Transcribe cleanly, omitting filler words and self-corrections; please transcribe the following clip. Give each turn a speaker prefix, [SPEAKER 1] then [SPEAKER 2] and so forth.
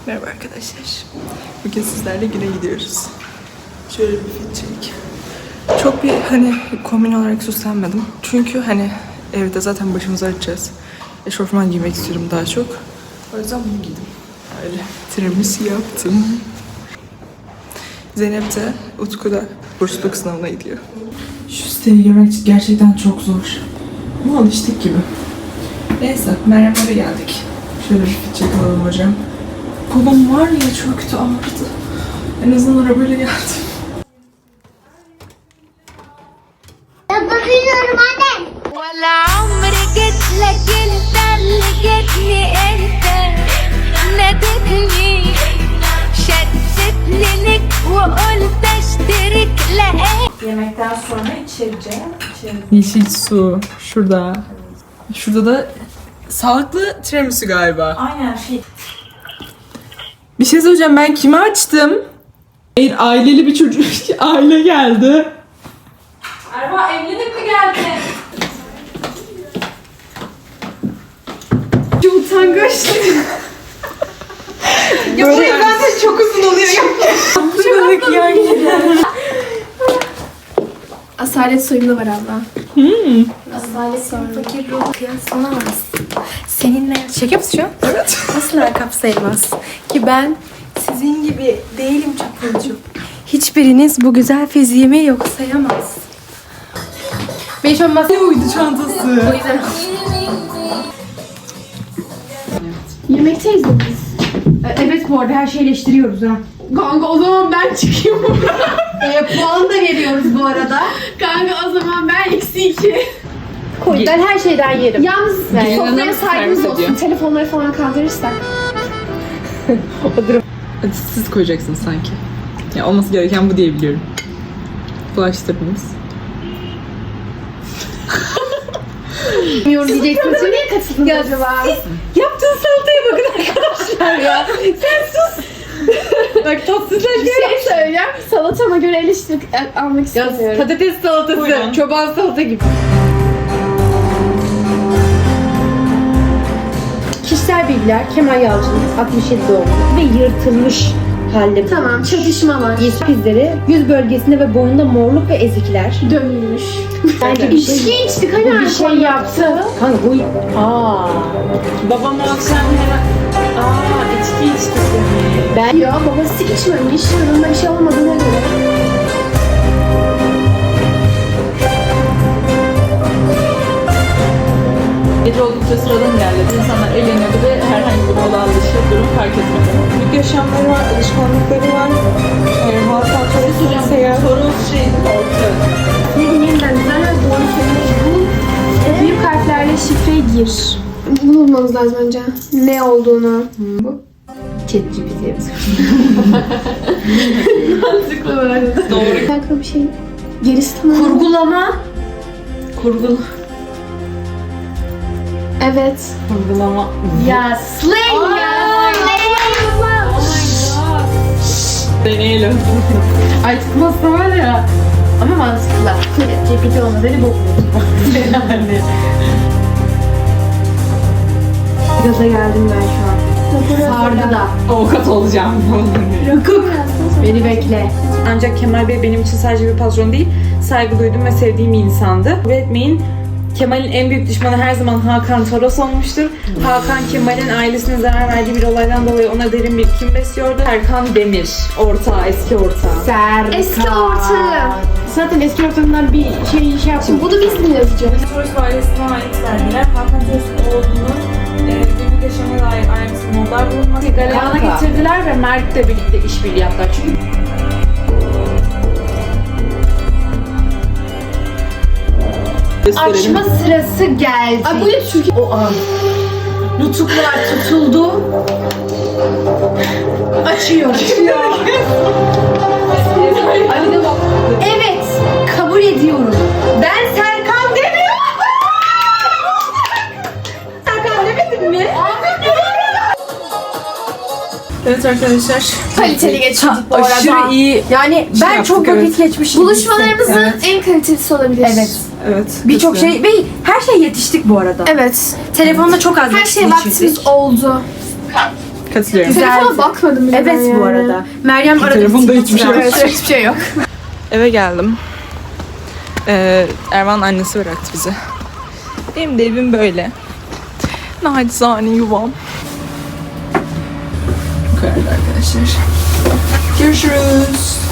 [SPEAKER 1] Merhaba arkadaşlar. Bugün sizlerle güne gidiyoruz. Şöyle bir fit check. Çok bir kombin olarak süslenmedim. Çünkü evde zaten başımızı açacağız. Eşofman giymek istiyorum daha çok. O yüzden bunu giydim. Öyle tiramisu yaptım. Zeynep de Utku'da bursluluk sınavına gidiyor. Şu siteyi görmek gerçekten çok zor. Ama alıştık gibi. Neyse, Meryem'e geldik. Şöyle bir fit check alalım hocam. Kolum var ya çok kötü ağrıdı. En azından arabayla geldim.
[SPEAKER 2] Yapabiliyorum anne.
[SPEAKER 3] ولا عمري جيت لك انت اللي جيتني انت نادتني شدتني لك وقلت اشترك لقيت.
[SPEAKER 4] Yemekten sonra içeceğim.
[SPEAKER 1] Yeşil su. Şurada. Şurada da sağlıklı tiramisu galiba.
[SPEAKER 4] Aynen
[SPEAKER 1] Bir şey söyleyeceğim, ben kimi açtım? Hayır, aileli bir çocuk, aile geldi.
[SPEAKER 4] Erva evlenip mi geldin?
[SPEAKER 1] Çok utangaç. Ya bu ben de çok uzun oluyor. Çok yani.
[SPEAKER 2] Asalet soyumda var abla. Asalet soyumda. Fakir ruhu kıyaslanamaz. Seninle şaka mısın şu an?
[SPEAKER 1] Evet.
[SPEAKER 2] Asla kapsayamaz. Ki ben sizin gibi değilim çapulcu. Hiçbiriniz bu güzel fiziğimi yok sayamaz. Beş olmaz.
[SPEAKER 1] Ne uydu çantası?
[SPEAKER 2] O yüzden... Yemekteyiz de biz.
[SPEAKER 5] Evet, bu arada her şeyi eleştiriyoruz ha.
[SPEAKER 2] Kanka o zaman ben çıkayım.
[SPEAKER 5] Puan da veriyoruz bu arada.
[SPEAKER 2] Kanka o zaman ben -2.
[SPEAKER 5] Ben her şeyden yerim.
[SPEAKER 2] Yalnız sofraya
[SPEAKER 1] servis
[SPEAKER 2] saygımız olsun.
[SPEAKER 1] ediyor.
[SPEAKER 2] Telefonları falan kaldırırsak.
[SPEAKER 1] Hadi siz koyacaksınız sanki. Ya olması gereken bu diye biliyorum. Bulaştırdınız.
[SPEAKER 2] Bilmiyorum diyeceksin. Sen niye katıldın acaba?
[SPEAKER 5] Yaptığın salataya bakın arkadaşlar ya. Sen sus. Bak tatsızlar
[SPEAKER 2] Bir şey söyleyeceğim. Salatama göre eleştiri almak istemiyorum.
[SPEAKER 5] Patates salatası,
[SPEAKER 1] Buyurun.
[SPEAKER 5] çoban salata gibi. Kişisel bilgiler: Kemal Yalçın, 67 doğumlu ve yırtılmış halde.
[SPEAKER 2] Tamam, çatışma var.
[SPEAKER 5] İzleri, yüz bölgesinde ve boyunda morluk ve ezikler.
[SPEAKER 2] Dönülmüş.
[SPEAKER 5] Bence bir şey,
[SPEAKER 2] İçki içtik hani
[SPEAKER 5] bir şey yaptı. Kanka bu...
[SPEAKER 4] Babam o akşam hemen... içki içti.
[SPEAKER 5] Ben...
[SPEAKER 2] Ya babası içmemiş. Yanında bir şey olmadığına göre.
[SPEAKER 1] Gece oldukça sıradan ilerledi. İnsanlar eğleniyordu ve herhangi bir olağan dışı durum fark etmedi. Büyük yaşamları var, alışkanlıkları var. Halk kontrolü, seyahat. Sorun orta.
[SPEAKER 2] Yeniden düzenler doğru söylemek bu. Büyük harflerle şifreyi gir. Bunu bulmamız lazım önce. Ne olduğunu.
[SPEAKER 5] ChatGPT.
[SPEAKER 2] Mantıklı böyle.
[SPEAKER 1] Doğru.
[SPEAKER 2] Kanka bir şey. Gerisi tamam.
[SPEAKER 5] Kurgulama.
[SPEAKER 1] Kurgul.
[SPEAKER 2] Evet.
[SPEAKER 1] Kurgulama.
[SPEAKER 5] Ya slang ya.
[SPEAKER 1] Deneyelim.
[SPEAKER 5] Ay tutmazsa var ya. Ama mantıklı. ChatGPT olmaz. Beni bokluyorsun. Yani. Gaza geldim ben şu an. Sardı da.
[SPEAKER 1] Avukat olacağım.
[SPEAKER 5] Beni bekle.
[SPEAKER 4] Ancak Kemal Bey benim için sadece bir patron değil, saygı duyduğum ve sevdiğim bir insandı. Kabul etmeyin, Kemal'in en büyük düşmanı her zaman Hakan Toros olmuştur. Hakan, Kemal'in ailesine zarar verdiği bir olaydan dolayı ona derin bir kin besliyordu. Serkan Demir, ortağı, eski ortağı.
[SPEAKER 5] Serkan.
[SPEAKER 2] Eski ortağı.
[SPEAKER 5] Zaten eski ortamından bir şey yapmış.
[SPEAKER 2] Şimdi bunu biz mi yazacağız?
[SPEAKER 4] Toros ailesine ait verdiler. Hakan Toros'un oğlunun günlük yaşamına dair ayrıntılı notlar bulunmakta. Galeyana getirdiler ve Mert'le birlikte işbirliği yaptılar. Çünkü
[SPEAKER 5] Açma sırası geldi.
[SPEAKER 2] Ay bu ne Türkiye?
[SPEAKER 5] O an. Nutuklar tutuldu. Açıyor.
[SPEAKER 2] Ay de bak.
[SPEAKER 5] Evet, kabul ediyorum. Ben Serkan demiyorum. Serkan demedim mi?
[SPEAKER 1] Evet arkadaşlar.
[SPEAKER 2] Kaliteli geçirdik bu arada.
[SPEAKER 1] Aşırı iyi.
[SPEAKER 5] Yani ben
[SPEAKER 1] yaptık,
[SPEAKER 5] çok vakit
[SPEAKER 1] evet.
[SPEAKER 5] geçmişim.
[SPEAKER 2] Buluşmalarımızın en kalitelisi olabilir.
[SPEAKER 5] Evet.
[SPEAKER 1] Evet.
[SPEAKER 5] Birçok
[SPEAKER 1] katılıyorum.
[SPEAKER 5] şey ve her şey yetiştik bu arada.
[SPEAKER 2] Evet.
[SPEAKER 5] Telefonda çok az
[SPEAKER 2] Her
[SPEAKER 5] vakit
[SPEAKER 2] şey
[SPEAKER 5] geçirdik.
[SPEAKER 2] vaktimiz oldu.
[SPEAKER 1] Katılıyorum.
[SPEAKER 5] Telefona bakmadım bile ben
[SPEAKER 2] Evet
[SPEAKER 5] yani.
[SPEAKER 2] bu arada. Meryem aradı.
[SPEAKER 1] Telefonda hiçbir şey yok.
[SPEAKER 2] Evet, hiçbir şey yok.
[SPEAKER 1] Eve geldim. Ervan'ın annesi bıraktı bizi. Benim de evim böyle. Nacizane yuvam. Bu kadar arkadaşlar. Görüşürüz.